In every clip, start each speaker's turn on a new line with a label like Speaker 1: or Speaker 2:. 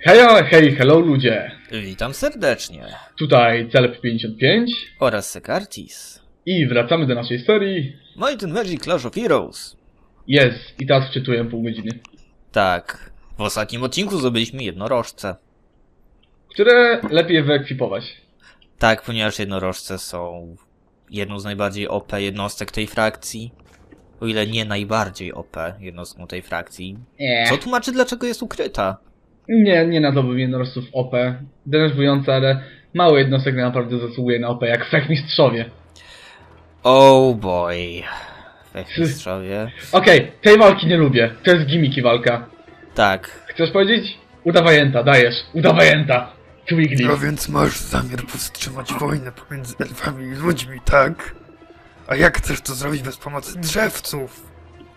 Speaker 1: Hej, hello ludzie!
Speaker 2: Witam serdecznie.
Speaker 1: Tutaj Celeb55
Speaker 2: Oraz Sekartis.
Speaker 1: i wracamy do naszej serii.
Speaker 2: Might and Magic Clash of Heroes.
Speaker 1: Jest, i teraz wczytuję pół godziny.
Speaker 2: Tak. W ostatnim odcinku zdobyliśmy jednorożce.
Speaker 1: Które lepiej wyekwipować.
Speaker 2: Tak, ponieważ jednorożce są jedną z najbardziej OP jednostek tej frakcji. O ile nie najbardziej OP jednostką tej frakcji. Co tłumaczy, dlaczego jest ukryta?
Speaker 1: Nie nazwałbym jednorożców OP. Denerwujące, ale mało jednostek naprawdę zasługuje na OP, jak Wszechmistrzowie.
Speaker 2: Oh boy. Wszechmistrzowie.
Speaker 1: Okej, tej walki nie lubię. To jest gimmiki walka.
Speaker 2: Tak.
Speaker 1: Chcesz powiedzieć? Udawajenta, dajesz. Udawajenta. Twiggly.
Speaker 3: No więc masz zamiar powstrzymać wojnę pomiędzy elfami i ludźmi, tak? A jak chcesz to zrobić bez pomocy drzewców?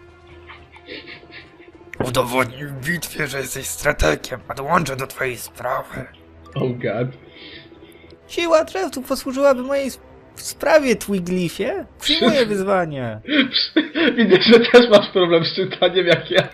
Speaker 3: Udowodnij w bitwie, że jesteś strategiem, a dołączę do twojej sprawy.
Speaker 1: Oh god.
Speaker 2: Siła drzewców posłużyłaby mojej sprawie, Twigglyfie. Przyjmuję wyzwanie.
Speaker 1: Widzę, że też masz problem z czytaniem jak ja.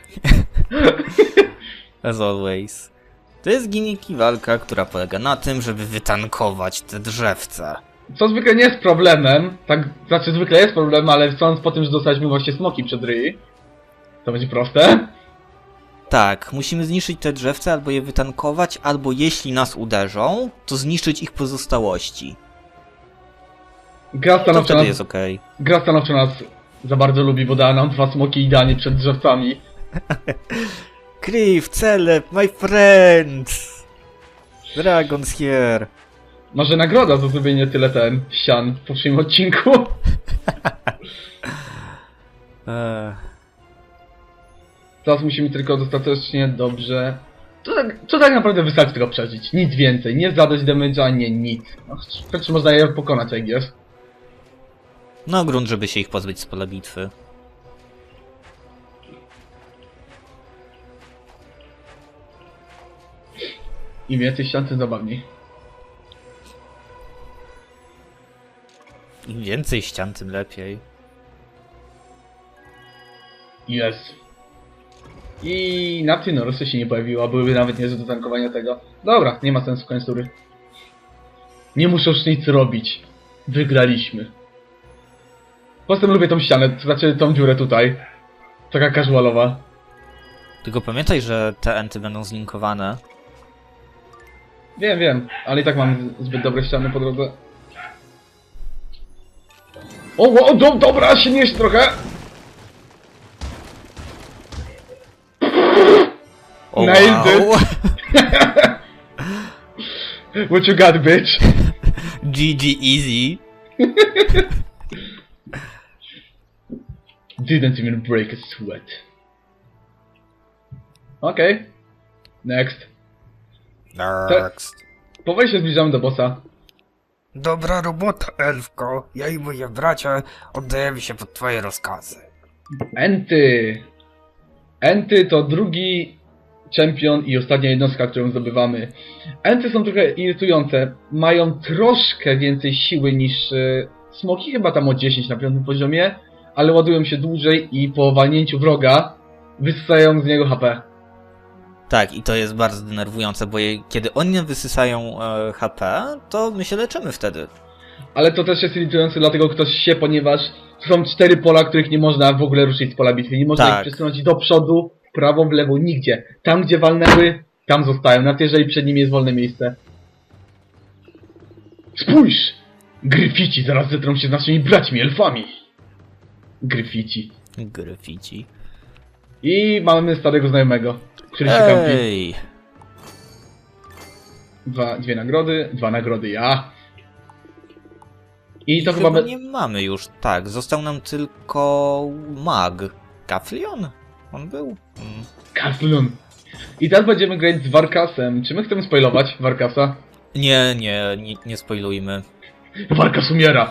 Speaker 2: As always. To jest gimmick i walka, która polega na tym, żeby wytankować te drzewca.
Speaker 1: Co zwykle nie jest problemem, tak, znaczy zwykle jest problemem, ale sądz po tym, że dostaliśmy właśnie smoki przed ryj, to będzie proste.
Speaker 2: Tak, musimy zniszczyć te drzewca, albo je wytankować, albo jeśli nas uderzą, to zniszczyć ich pozostałości.
Speaker 1: Gra
Speaker 2: To
Speaker 1: stanowczo
Speaker 2: wtedy
Speaker 1: nas,
Speaker 2: jest okej.
Speaker 1: gra stanowczo nas za bardzo lubi, bo dała nam 2 smoki idealnie przed drzewcami.
Speaker 2: Kriv, Celeb, my friend! Dragon's here!
Speaker 1: Może nagroda za zrobienie tyle ścian w poprzednim odcinku. Teraz musimy tylko dostatecznie dobrze... To tak naprawdę wystarczy tylko przeżyć, nic więcej, nie zadać damage'a, nie nic. No, wręcz można je pokonać, jak jest.
Speaker 2: No grunt, żeby się ich pozbyć z pola bitwy.
Speaker 1: Im więcej ścian, tym zabawniej.
Speaker 2: Im więcej ścian, tym lepiej.
Speaker 1: Jest. I na tym Norosy się nie pojawiła, byłyby nawet niezłe do tankowania tego. Dobra, nie ma sensu końcury. Nie muszę już nic robić. Wygraliśmy. Poza tym lubię tą ścianę, to znaczy tą dziurę tutaj. Taka casualowa.
Speaker 2: Tylko pamiętaj, że te enty będą zlinkowane.
Speaker 1: Wiem, ale i tak mam zbyt dobre ściany po drodze. O, dobra, się nieść trochę!
Speaker 2: O,
Speaker 1: Nailed
Speaker 2: wow.
Speaker 1: What you got, bitch?
Speaker 2: GG easy.
Speaker 1: Didn't even break a sweat. Okej. Next.
Speaker 2: Next.
Speaker 1: Powoli się zbliżamy do bossa.
Speaker 3: Dobra robota, elfko. Ja i moi bracia oddajemy się pod twoje rozkazy.
Speaker 1: Enty! Enty to drugi czempion i ostatnia jednostka, którą zdobywamy. Enty są trochę irytujące. Mają troszkę więcej siły niż smoki, chyba tam o 10 na 5 poziomie, ale ładują się dłużej i po walnięciu wroga wysysają z niego HP.
Speaker 2: Tak, i to jest bardzo denerwujące, bo kiedy oni wysysają HP, to my się leczymy wtedy.
Speaker 1: Ale to też jest irytujące dla tego ktoś się, ponieważ to są 4 pola, których nie można w ogóle ruszyć z pola bitwy. Nie można ich przesunąć do przodu, w prawo, w lewo, nigdzie. Tam, gdzie walnęły, tam zostają, nawet jeżeli przed nimi jest wolne miejsce. Spójrz! Gryfici zaraz zetrą się z naszymi braćmi, elfami. Gryfici.
Speaker 2: Graffiti.
Speaker 1: I mamy starego znajomego, który się kampi.
Speaker 2: Ej!
Speaker 1: Dwie nagrody, 2 nagrody ja. I to
Speaker 2: Chyba
Speaker 1: chyba...
Speaker 2: nie mamy już, tak. Został nam tylko mag. Kaflion? On był?
Speaker 1: Kaslun. I teraz będziemy grać z Warkasem. Czy my chcemy spoilować Warkasa?
Speaker 2: Nie spoilujmy.
Speaker 1: Warkas umiera!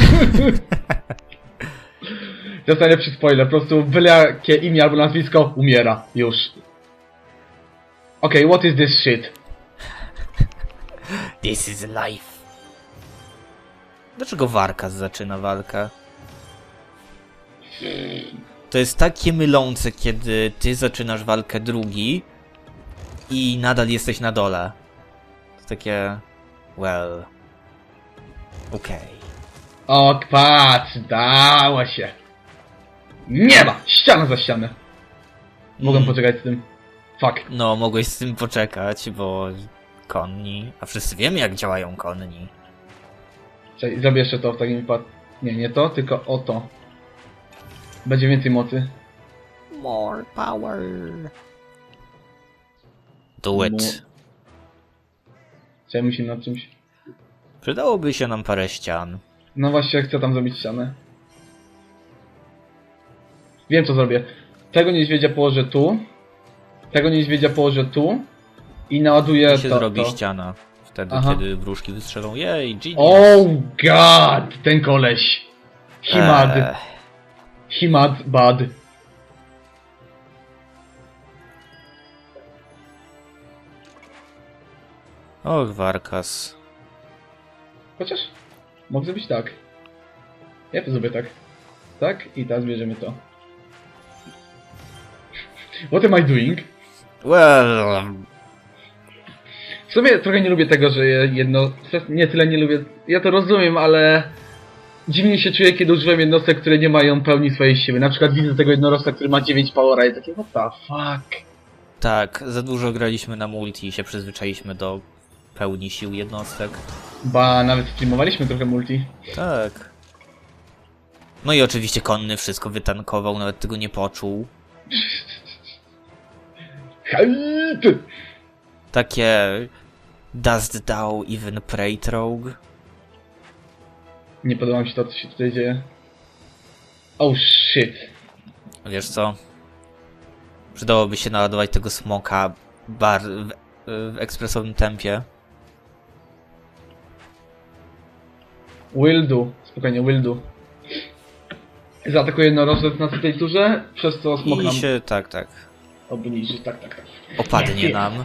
Speaker 1: To jest najlepszy spoiler, po prostu byle jakie imię albo nazwisko, umiera. Już. Okej, what is this shit?
Speaker 2: This is life. Dlaczego Warkas zaczyna walkę? To jest takie mylące, kiedy ty zaczynasz walkę drugi, i nadal jesteś na dole. To takie... well... okej.
Speaker 1: O, patrz, dało się. Nie ma! Ściana za ścianę. Mogłem poczekać z tym. Fuck.
Speaker 2: No, mogłeś z tym poczekać, bo... konni... A wszyscy wiemy, jak działają konni.
Speaker 1: Czekaj, zrobię jeszcze to w takim wypadku. Nie, nie to, tylko o to. Będzie więcej mocy.
Speaker 2: More power. Do it.
Speaker 1: Czekaj, musimy nad czymś.
Speaker 2: Przydałoby się nam parę ścian.
Speaker 1: No właśnie, chcę tam zrobić ścianę. Wiem, co zrobię. Tego niedźwiedzia położę tu. Tego niedźwiedzia położę tu. I naładuję
Speaker 2: I się
Speaker 1: to.
Speaker 2: zrobi
Speaker 1: to.
Speaker 2: ściana. Wtedy,
Speaker 1: Aha.
Speaker 2: kiedy wróżki wystrzelą. Jej, genius.
Speaker 1: Oh god! Ten koleś. Himad. Himad bad.
Speaker 2: Och, Warkas.
Speaker 1: Chociaż mogę zrobić tak. Ja to zrobię tak. Tak i teraz bierzemy to. What am I doing?
Speaker 2: Well...
Speaker 1: W sumie trochę nie lubię tego, że jedno... Nie tyle nie lubię... Ja to rozumiem, ale... Dziwnie się czuję, kiedy używam jednostek, które nie mają pełni swojej siły. Na przykład widzę tego jednorożca, który ma 9 powera i takie what the fuck.
Speaker 2: Tak, za dużo graliśmy na multi i się przyzwyczailiśmy do pełni sił jednostek.
Speaker 1: Ba, nawet streamowaliśmy trochę multi.
Speaker 2: Tak. No i oczywiście konny wszystko wytankował, nawet tego nie poczuł.
Speaker 1: Help!
Speaker 2: Takie... Dost thou even pray, rogue?
Speaker 1: Nie podoba mi się to, co się tutaj dzieje. Oh shit.
Speaker 2: Wiesz co? Przydałoby się naładować tego smoka w ekspresowym tempie.
Speaker 1: Will do. Spokojnie, will do. Zaatakuje jednorożec na tej turze, przez co smok nam
Speaker 2: I się, tak,
Speaker 1: obniży. Tak, tak, tak.
Speaker 2: opadnie nam.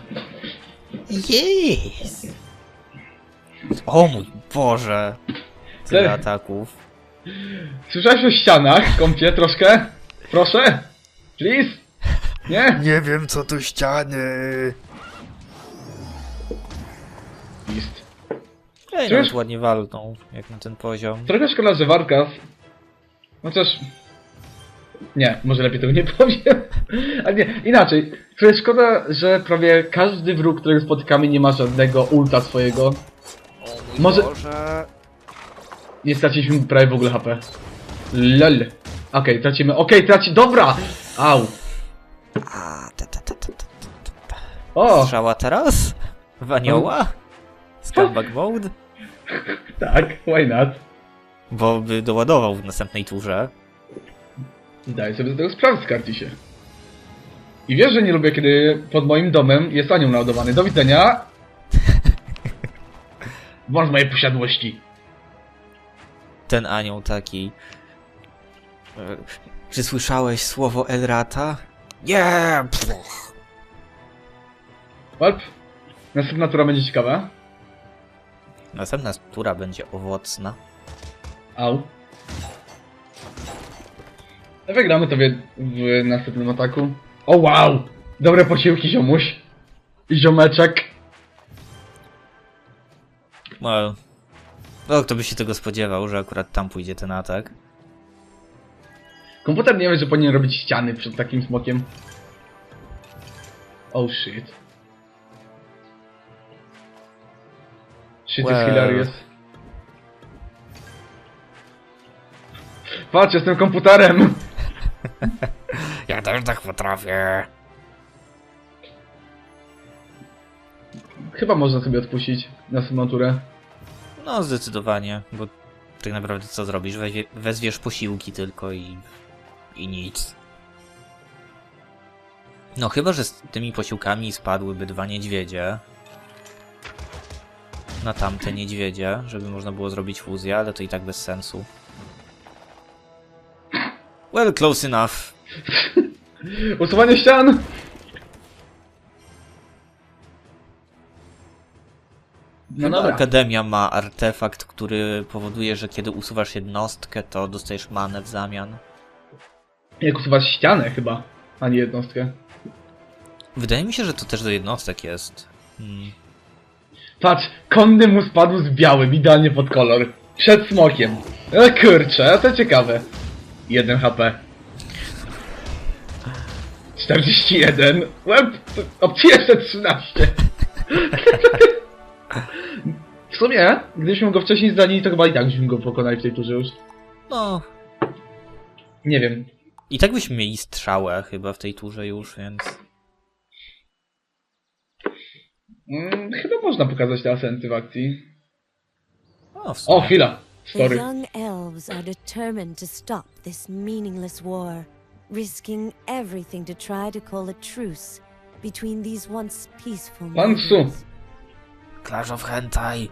Speaker 2: Yes! O mój Boże! Tyle ataków.
Speaker 1: Słyszałeś o ścianach, kąpie, troszkę? Proszę? Please? Nie?
Speaker 3: Nie wiem co tu ściany.
Speaker 1: List.
Speaker 2: Ej,
Speaker 1: Czyż?
Speaker 2: nawet ładnie walną, jak na ten poziom.
Speaker 1: Trochę szkoda, że Warkas... Chociaż... Nie, może lepiej tego nie powiem. A nie, inaczej. Trochę szkoda, że prawie każdy wróg, którego spotykamy, nie ma żadnego ulta swojego. Może... Nie straciliśmy prawie w ogóle HP. Lol. Okej, tracimy. Traci... Dobra! Au. O!
Speaker 2: Strzała teraz? W anioła? Scumbag mode?
Speaker 1: Tak, why not?
Speaker 2: Bo by doładował w następnej turze.
Speaker 1: Daj sobie z tego sprawę, skarci się. I wiesz, że nie lubię, kiedy pod moim domem jest anioł naładowany. Do widzenia! Wąż mojej posiadłości.
Speaker 2: Ten anioł taki... Czy słyszałeś słowo Elrata? Nie!
Speaker 1: Walp. Następna tura będzie ciekawa.
Speaker 2: Następna tura będzie owocna.
Speaker 1: Au. Wygramy to w następnym ataku. O wow! Dobre posiłki, ziomuś. I ziomeczek.
Speaker 2: Well... No, kto by się tego spodziewał, że akurat tam pójdzie ten atak.
Speaker 1: Komputer nie wie, że powinien robić ściany przed takim smokiem. Oh shit. Shit
Speaker 2: Well.
Speaker 1: is hilarious. Patrz, jestem komputerem!
Speaker 2: Ja też tak potrafię.
Speaker 1: Chyba można sobie odpuścić następną turę.
Speaker 2: No, zdecydowanie, bo tak naprawdę co zrobisz? Wezwiesz posiłki tylko i nic. No chyba, że z tymi posiłkami spadłyby 2 niedźwiedzie. Na tamte niedźwiedzie, żeby można było zrobić fuzję, ale to i tak bez sensu. Well, close enough.
Speaker 1: Usuwanie ścian! No
Speaker 2: Chyba
Speaker 1: dobra.
Speaker 2: Akademia ma artefakt, który powoduje, że kiedy usuwasz jednostkę, to dostajesz manę w zamian.
Speaker 1: Jak usuwać ścianę chyba, a nie jednostkę.
Speaker 2: Wydaje mi się, że to też do jednostek jest.
Speaker 1: Patrz, konny mu spadł z białym, idealnie pod kolor. Przed smokiem. Kurczę, to ciekawe. 1 HP. 41. Łeb, jeszcze 13. W sumie, gdybyśmy go wcześniej zdanili, to chyba i tak byśmy go pokonali w tej turze już.
Speaker 2: No.
Speaker 1: Nie wiem.
Speaker 2: I tak byśmy mieli strzałę chyba w tej turze już, więc...
Speaker 1: Chyba można pokazać te asenty w akcji.
Speaker 2: O, w sumie.
Speaker 1: O, chwila.
Speaker 4: The
Speaker 1: Sorry.
Speaker 4: young elves are determined to stop this meaningless war, risking everything to try to call a truce between these once peaceful
Speaker 1: Pan Su.
Speaker 4: nations.
Speaker 2: Clash of Hentai.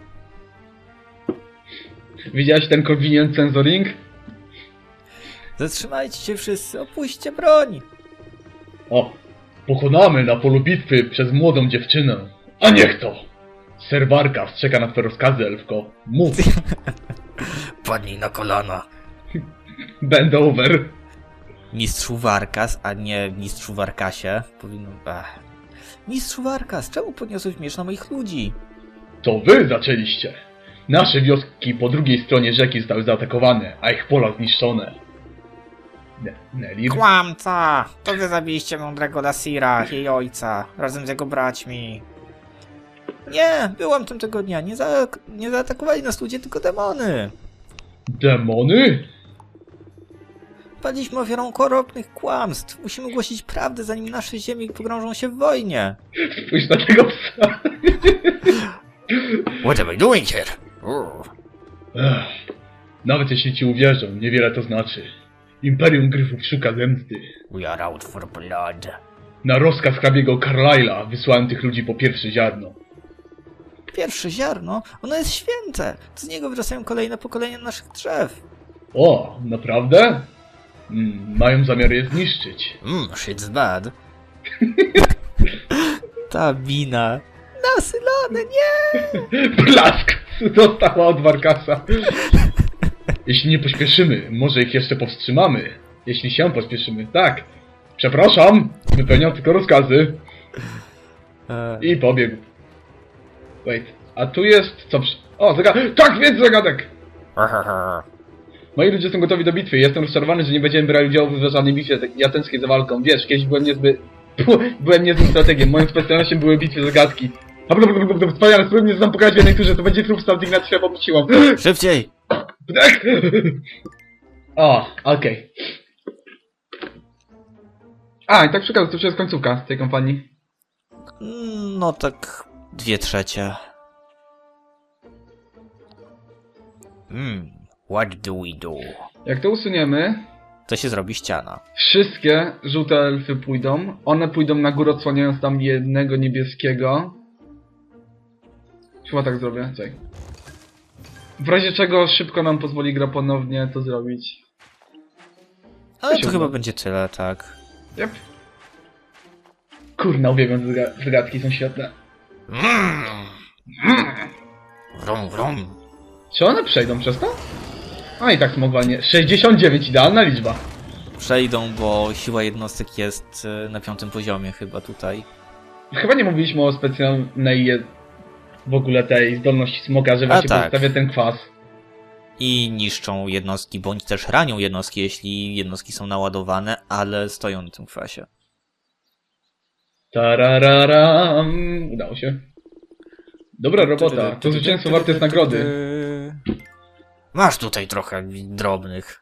Speaker 1: Widziałeś ten convenient censoring?
Speaker 2: Zatrzymajcie się wszyscy, opuśćcie broń!
Speaker 1: O, pokonamy na polu bitwy przez młodą dziewczynę. A niech to! Ser Warkas czeka na twoje rozkazy, elfko. Mów.
Speaker 2: Padnij na kolana.
Speaker 1: Bend over.
Speaker 2: Mistrzu Warkas, a nie mistrzu Warkasie. Powinno... Mistrzu Warkas, czemu podniosłeś miecz na moich ludzi?
Speaker 1: To wy zaczęliście. Nasze wioski po drugiej stronie rzeki zostały zaatakowane, a ich pola zniszczone. Nelir?
Speaker 2: Kłamca! To wy zabiliście mądrego Lasira, jej ojca, razem z jego braćmi. Nie, byłam tam tego dnia. Nie zaatakowali nas ludzie, tylko demony.
Speaker 1: Demony?
Speaker 2: Padliśmy ofiarą okropnych kłamstw. Musimy głosić prawdę, zanim nasze ziemie pogrążą się w wojnie.
Speaker 1: Spójrz na tego psa.
Speaker 2: What am I doing here?
Speaker 1: Nawet jeśli ci uwierzą, niewiele to znaczy. Imperium Gryfów szuka zemsty.
Speaker 2: We are out for blood.
Speaker 1: Na rozkaz hrabiego Carlyla wysłałem tych ludzi po pierwsze ziarno.
Speaker 2: Pierwsze ziarno? Ono jest święte. Z niego wyrastają kolejne pokolenia naszych drzew.
Speaker 1: O, naprawdę? Mają zamiar je zniszczyć.
Speaker 2: Shit's bad. Ta wina. Nasylone, nie!
Speaker 1: Blask dostała od Warkasa. Jeśli nie pośpieszymy, może ich jeszcze powstrzymamy. Jeśli się pośpieszymy, tak. Przepraszam, wypełniam tylko rozkazy. I pobiegł. Wait, a tu jest... co przy... O, zagadek! Tak, więc zagadek! Moi ludzie są gotowi do bitwy. Jestem rozczarowany, że nie będziemy brali udziału w żadnej bitwie. Ja tęsknię za walką. Wiesz, kiedyś byłem niezłym strategiem. Moją specjalnością były bitwy zagadki. Wspaniale, spróbuj mnie znam pokazać w jednej turze. To będzie trup Salt Ignacja, popuściłam.
Speaker 2: Szybciej!
Speaker 1: Tak! O, okej. A, i tak przekazuję, to już jest końcówka tej kampanii.
Speaker 2: No tak 2/3. What do we do?
Speaker 1: Jak to usuniemy,
Speaker 2: To się zrobi ściana.
Speaker 1: wszystkie żółte elfy pójdą. One pójdą na górę, odsłaniając tam jednego niebieskiego. Chyba tak zrobię, czekaj. W razie czego szybko nam pozwoli gra ponownie to zrobić.
Speaker 2: Ale
Speaker 1: się
Speaker 2: to chyba
Speaker 1: uda.
Speaker 2: będzie tyle, tak.
Speaker 1: Yep. Kurna, uwielbiam te zagadki, są świetne.
Speaker 2: Wrum, wrum.
Speaker 1: Czy one przejdą przez to? A i tak smogwalnie. 69, idealna liczba.
Speaker 2: Przejdą, bo siła jednostek jest na 5. poziomie chyba tutaj.
Speaker 1: Chyba nie mówiliśmy o specjalnej w ogóle tej zdolności smoka, że właśnie
Speaker 2: tak.
Speaker 1: podstawia ten kwas.
Speaker 2: I niszczą jednostki, bądź też ranią jednostki, jeśli jednostki są naładowane, ale stoją na tym kwasie.
Speaker 1: Tarararam. Udało się. Dobra robota. To zwycięstwo warte jest nagrody.
Speaker 2: Masz tutaj trochę drobnych.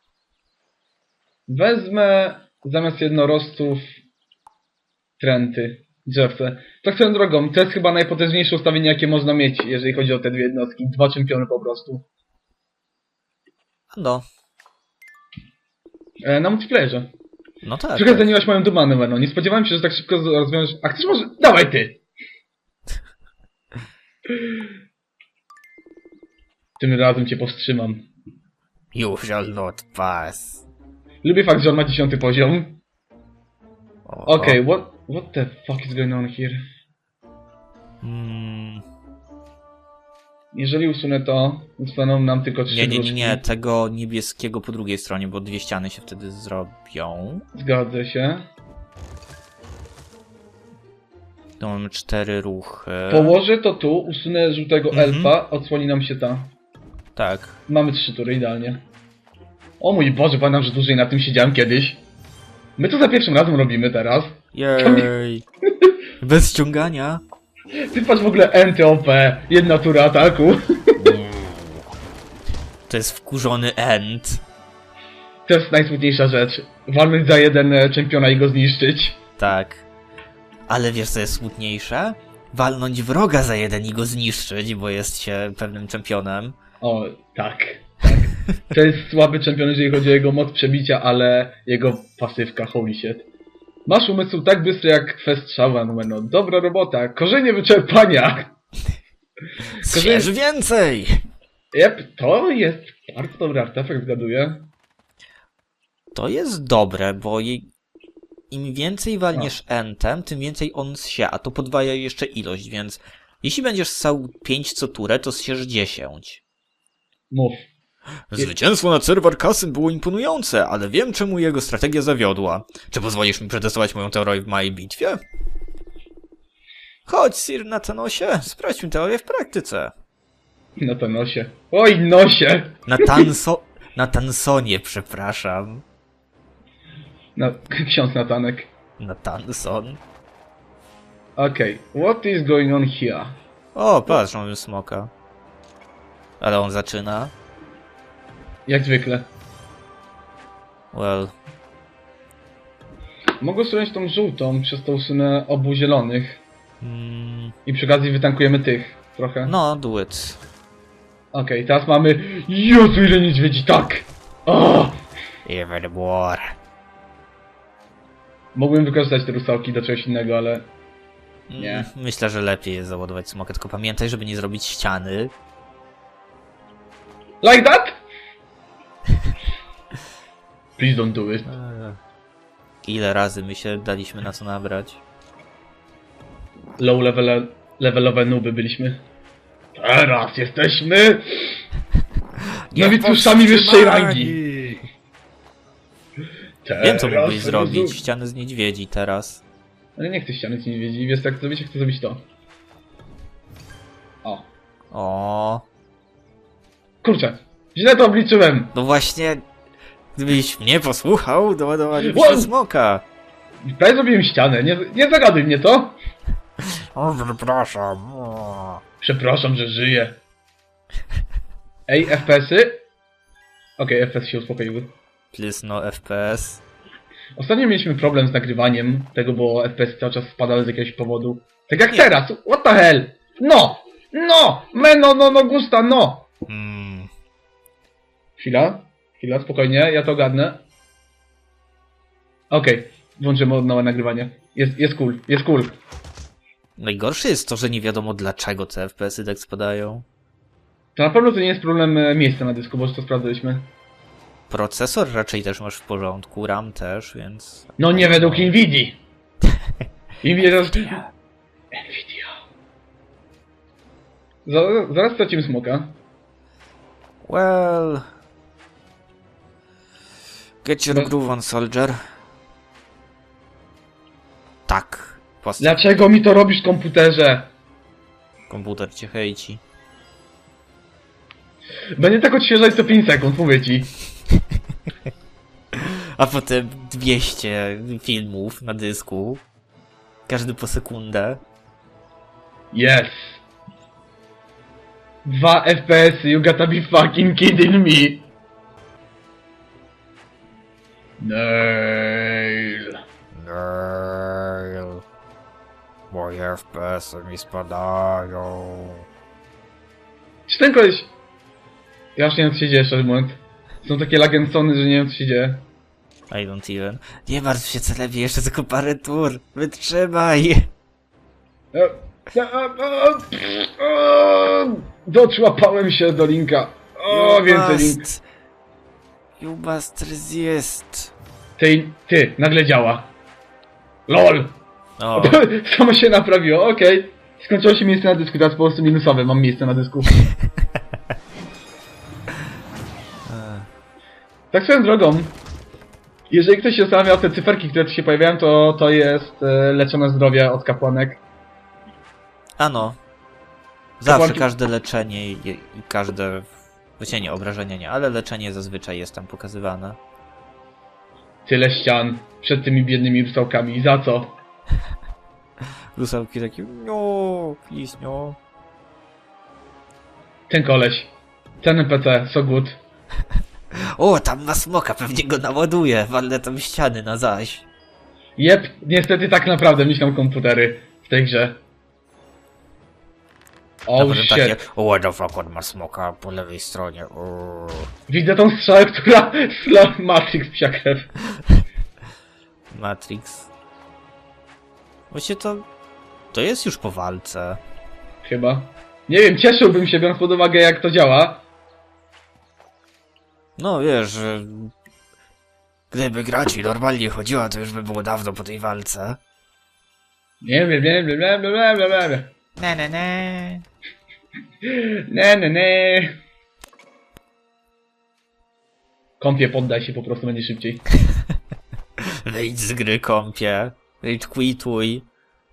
Speaker 1: Wezmę zamiast jednorożców tręty, drzewce. Tak swoją drogą, to jest chyba najpotężniejsze ustawienie, jakie można mieć, jeżeli chodzi o te dwie jednostki. 2 czempiony po prostu.
Speaker 2: No.
Speaker 1: Na multiplayerze.
Speaker 2: No tak.
Speaker 1: Trochę zaniłaś moją domanę, Weno. Nie spodziewałem się, że tak szybko rozwiążesz. A chcesz może... Dawaj ty! Tym razem cię powstrzymam.
Speaker 2: You shall not pass.
Speaker 1: Lubię fakt, że on ma 10 poziom.
Speaker 2: O,
Speaker 1: Okej, what the fuck is going on here? Jeżeli usunę to, zostaną nam tylko 3
Speaker 2: Nie, tego niebieskiego po drugiej stronie, bo 2 ściany się wtedy zrobią.
Speaker 1: Zgadzę się.
Speaker 2: Tu mamy 4 ruchy.
Speaker 1: Położę to tu, usunę żółtego elfa, odsłoni nam się ta.
Speaker 2: Tak.
Speaker 1: Mamy 3 tury, idealnie. O mój Boże, pamiętam, że dłużej na tym siedziałem kiedyś. My to za pierwszym razem robimy teraz.
Speaker 2: Jej. Bez ściągania.
Speaker 1: Ty patrz w ogóle NTOP, jedna tura ataku.
Speaker 2: To jest wkurzony end.
Speaker 1: To jest najsmutniejsza rzecz. Walnąć za jeden czempiona i go zniszczyć.
Speaker 2: Tak. Ale wiesz co jest smutniejsze? Walnąć wroga za jeden i go zniszczyć, bo jest się pewnym czempionem.
Speaker 1: O, tak. Tak. To jest słaby czempion, jeżeli chodzi o jego moc przebicia, ale jego pasywka, holy shit. Masz umysł tak bystry jak kwest strzała, no dobra robota. Korzenie wyczerpania.
Speaker 2: Zjesz więcej!
Speaker 1: Jep, to jest bardzo dobry artefakt, zgaduję.
Speaker 2: To jest dobre, bo im więcej walniesz entem, tym więcej on zsie, a to podwaja jeszcze ilość, więc jeśli będziesz ssał 5 co turę, to zsiesz 10.
Speaker 1: Mów.
Speaker 2: Zwycięstwo nad serwer Kasyn było imponujące, ale wiem czemu jego strategia zawiodła. Czy pozwolisz mi przetestować moją teorię w mojej bitwie? Chodź, Sir Nathanosie, sprawdźmy teorię w praktyce.
Speaker 1: Na to nosie. Oj, nosie!
Speaker 2: Na Tansonie, przepraszam.
Speaker 1: No, ksiądz Natanek.
Speaker 2: Na Tanson.
Speaker 1: Okej, what is going on here?
Speaker 2: O, patrz, mamy smoka. Ale on zaczyna.
Speaker 1: Jak zwykle.
Speaker 2: Well,
Speaker 1: Mogę usunąć tą żółtą, przez to usunę obu zielonych.
Speaker 2: mm,
Speaker 1: I przy okazji wytankujemy tych trochę.
Speaker 2: no, do it.
Speaker 1: Okej, teraz mamy... Jezu, ile niedźwiedzi, tak! O!
Speaker 2: Even more.
Speaker 1: Mogłem wykorzystać te rusałki do czegoś innego, ale... Nie.
Speaker 2: Myślę, że lepiej jest załadować smokę, tylko pamiętaj, żeby nie zrobić ściany.
Speaker 1: Like that? Please don't do it.
Speaker 2: Ile razy my się daliśmy na co nabrać?
Speaker 1: Low levelowe nuby byliśmy. Teraz jesteśmy... Nowicjuszami wyższej rangi.
Speaker 2: Wiem co mógłbyś
Speaker 1: Teraz
Speaker 2: zrobić,
Speaker 1: rozum-
Speaker 2: ściany z niedźwiedzi teraz.
Speaker 1: Ale nie chcę ściany z niedźwiedzi, wiesz jak zrobić, chcę zrobić to. O.
Speaker 2: O,
Speaker 1: Kurczę, źle to obliczyłem.
Speaker 2: no właśnie, gdybyś mnie posłuchał, doładowalibyśmy
Speaker 1: Wow!
Speaker 2: smoka.
Speaker 1: Prawie zrobiłem ścianę, nie zagaduj mnie to.
Speaker 2: O, przepraszam. O.
Speaker 1: Przepraszam, że żyję. Ej, FPS-y? Okej, FPS się uspokoiły.
Speaker 2: Please no FPS.
Speaker 1: Ostatnio mieliśmy problem z nagrywaniem tego, bo FPS cały czas spadały z jakiegoś powodu. Tak jak teraz, what the hell? No! No! No, gusta, no! Chwila, spokojnie, ja to ogarnę. Okej, włączymy od nowa nagrywanie. Jest cool.
Speaker 2: Najgorsze jest to, że nie wiadomo dlaczego te FPS-y tak spadają.
Speaker 1: To na pewno to nie jest problem miejsca na dysku, bo już to sprawdzaliśmy.
Speaker 2: Procesor raczej też masz w porządku, RAM też, więc...
Speaker 1: No nie według Nvidii. Nvidia. Zaraz stracimy smoka.
Speaker 2: Well... Get your groove on, soldier. Tak.
Speaker 1: Dlaczego mi to robisz w komputerze?
Speaker 2: Komputer cię hejci.
Speaker 1: Będę tak odświeżać co 5 sekund, mówię ci.
Speaker 2: A potem 200 filmów na dysku. Każdy po sekundę.
Speaker 1: Yes. 2 FPS, you gotta be fucking kidding me. Nail.
Speaker 2: Nail. Moje FPS-y mi spadają.
Speaker 1: Czy ten koleś... Ja już nie wiem co się dzieje, szczerze mówiąc. Są takie lagensony, że nie wiem co się dzieje.
Speaker 2: I don't even. Nie martw się, celebie, jeszcze tylko parę tur. Wytrzymaj.
Speaker 1: Doczłapałem się do linka. O, więcej link.
Speaker 2: You must resist.
Speaker 1: Ty, nagle działa. LOL!
Speaker 2: O,
Speaker 1: Samo się naprawiło, okej. Skończyło się miejsce na dysku, teraz po prostu minusowe mam miejsce na dysku. Tak swoją drogą, jeżeli ktoś się zastanawiał, te cyferki, które tu się pojawiają, to jest leczone zdrowie od kapłanek.
Speaker 2: Ano. Zawsze
Speaker 1: Kapłanki-
Speaker 2: każde leczenie i każde... Właściwie nie, obrażenia nie, ale leczenie zazwyczaj jest tam pokazywane.
Speaker 1: Tyle ścian przed tymi biednymi rusałkami. Za co?
Speaker 2: Rusałki takie, no, please, no.
Speaker 1: Ten koleś. Ten NPC, so good.
Speaker 2: O, tam ma smoka, pewnie go naładuje, walę tam ściany na zaś.
Speaker 1: Jep, niestety tak naprawdę myślą komputery w tej grze.
Speaker 2: A
Speaker 1: Oh
Speaker 2: potem
Speaker 1: shit.
Speaker 2: takie, o, what the fuck, on ma smoka po lewej stronie, o.
Speaker 1: Widzę tą strzałę, która sla Matrix psia krew.
Speaker 2: Matrix. Właściwie to jest już po walce.
Speaker 1: Chyba. Nie wiem, cieszyłbym się, biorąc pod uwagę jak to działa.
Speaker 2: No wiesz, że... Gdyby gra ci normalnie chodziła, to już by było dawno po tej walce.
Speaker 1: Nie wiem, nie wiem, bla bla bla bla bla.
Speaker 2: Ne.
Speaker 1: Ne. Kąpie, poddaj się, po prostu będzie szybciej.
Speaker 2: Wyjdź z gry, kąpie. Wyjdź, quituj.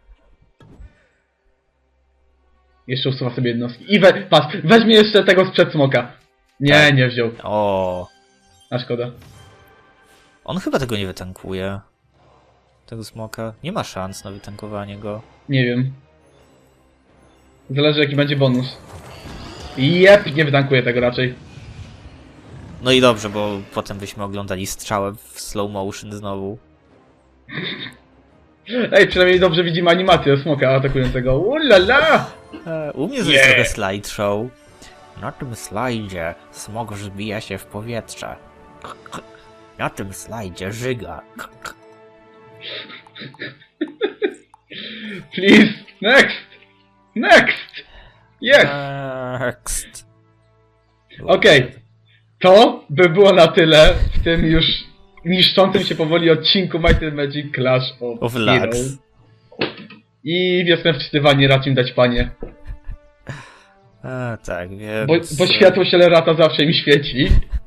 Speaker 1: Jeszcze usuwa sobie jednostki. I patrz, weźmie jeszcze tego sprzed smoka. Nie,
Speaker 2: Tak.
Speaker 1: nie wziął.
Speaker 2: O,
Speaker 1: A szkoda.
Speaker 2: on chyba tego nie wytankuje. Tego smoka. Nie ma szans na wytankowanie go.
Speaker 1: Nie wiem. Zależy jaki będzie bonus. Jep, nie wytankuję tego raczej.
Speaker 2: No i dobrze, bo potem byśmy oglądali strzałę w slow motion znowu.
Speaker 1: Ej, przynajmniej dobrze widzimy animację smoka atakującego. Ulala!
Speaker 2: U mnie to jest trochę slideshow. Na tym slajdzie smok wzbija się w powietrze. Na tym slajdzie żyga.
Speaker 1: Please, next! Next! Yes!
Speaker 2: Next.
Speaker 1: Okej. To by było na tyle w tym już niszczącym się powoli odcinku Might & Magic Clash of
Speaker 2: Of
Speaker 1: Heroes.
Speaker 2: Lux.
Speaker 1: I wiosnę wczytywanie racz im dać panie.
Speaker 2: A, tak, więc...
Speaker 1: Bo światło Sielerata zawsze im świeci.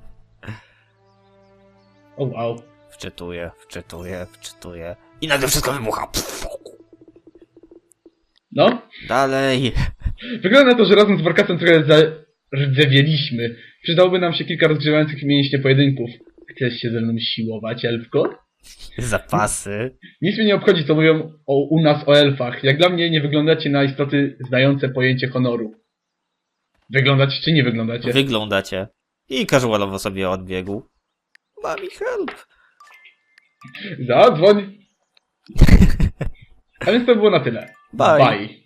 Speaker 1: O wow.
Speaker 2: Wczytuję. I nagle wszystko wybucha.
Speaker 1: No.
Speaker 2: Dalej.
Speaker 1: Wygląda na to, że razem z Warkasem trochę zardzewieliśmy. Przydałoby nam się kilka rozgrzewających mięśnie pojedynków. Chcesz się ze mną siłować, elfko?
Speaker 2: Zapasy.
Speaker 1: Nic mnie nie obchodzi, co mówią u nas o elfach. Jak dla mnie nie wyglądacie na istoty znające pojęcie honoru. Wyglądacie czy nie wyglądacie?
Speaker 2: Wyglądacie. I casualowo sobie odbiegł. Mami, help.
Speaker 1: Zadzwoń! A więc to było na tyle.
Speaker 2: Bye.
Speaker 1: Bye.